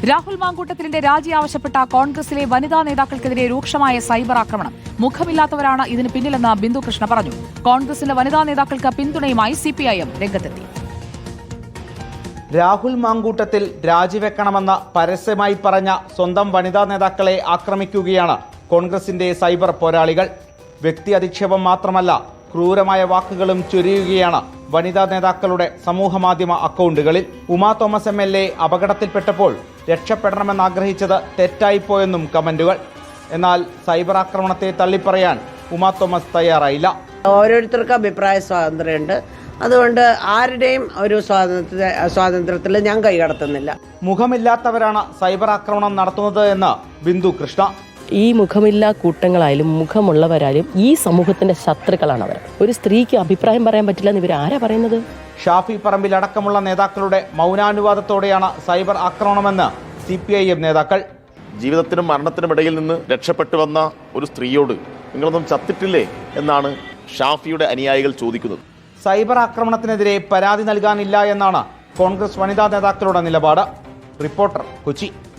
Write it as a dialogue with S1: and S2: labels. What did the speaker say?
S1: രാഹുൽ മാങ്കൂട്ടത്തിലിന്റെ രാജി ആവശ്യപ്പെട്ട കോൺഗ്രസിലെ വനിതാ നേതാക്കൾക്കെതിരെ രൂക്ഷമായ സൈബർ ആക്രമണം. മുഖമില്ലാത്തവരാണ് ഇതിന് പിന്നിലെന്ന് ബിന്ദു കൃഷ്ണ പറഞ്ഞു. കോൺഗ്രസിന്റെ വനിതാ നേതാക്കൾക്ക് പിന്തുണയുമായി സിപിഐഎം രംഗത്തെത്തി.
S2: രാഹുൽ മാങ്കൂട്ടത്തിൽ രാജിവെക്കണമെന്ന് പരസ്യമായി പറഞ്ഞ സ്വന്തം വനിതാ നേതാക്കളെ ആക്രമിക്കുകയാണ് കോൺഗ്രസിന്റെ സൈബർ പോരാളികൾ. വ്യക്തി അധിക്ഷേപം മാത്രമല്ല, ക്രൂരമായ വാക്കുകളും ചൊരിയുകയാണ് വനിതാ നേതാക്കളുടെ സമൂഹമാധ്യമ അക്കൗണ്ടുകളിൽ. ഉമാ തോമസ് MLA അപകടത്തിൽപ്പെട്ടപ്പോൾ രക്ഷപ്പെടണമെന്നാഗ്രഹിച്ചത് തെറ്റായിപ്പോയെന്നും കമന്റുകൾ. എന്നാൽ സൈബർ ആക്രമണത്തെ തള്ളിപ്പറയാൻ ഉമാ തോമസ് തയ്യാറായില്ല.
S3: ഓരോരുത്തർക്കും അഭിപ്രായ സ്വാതന്ത്ര്യമുണ്ട്. അതുകൊണ്ട് ആരുടെയും ഒരു സ്വാതന്ത്ര്യത്തിൽ ഞാൻ കൈകടത്തുന്നില്ല.
S2: മുഖമില്ലാത്തവരാണ് സൈബർ ആക്രമണം നടത്തുന്നത് എന്ന് ബിന്ദു കൃഷ്ണ.
S4: ഈ മുഖമില്ലാ കൂട്ടങ്ങളായാലും മുഖമുള്ളവരായാലും ഈ സമൂഹത്തിന്റെ ശത്രുക്കളാണ് അവർ. ഒരു സ്ത്രീക്ക് അഭിപ്രായം പറയാൻ പറ്റില്ല എന്ന് ഇവരാരാ പറയുന്നത്?
S2: ഷാഫി പറമ്പിൽ അടക്കമുള്ള നേതാക്കളുടെ മൗനാനുവാദത്തോടെയാണ് സൈബർ ആക്രമണമെന്ന് CPIM നേതാക്കൾ.
S5: ജീവിതത്തിനും മരണത്തിനും ഇടയിൽ നിന്ന് രക്ഷപ്പെട്ടു വന്ന ഒരു സ്ത്രീയോട് നിങ്ങളൊന്നും ചത്തിട്ടില്ലേ എന്നാണ് ഷാഫിയുടെ അനുയായികൾ ചോദിക്കുന്നത്.
S2: സൈബർ ആക്രമണത്തിനെതിരെ പരാതി നൽകാനില്ല എന്നാണ് കോൺഗ്രസ് വനിതാ നേതാക്കളുടെ നിലപാട്. റിപ്പോർട്ടർ, കൊച്ചി.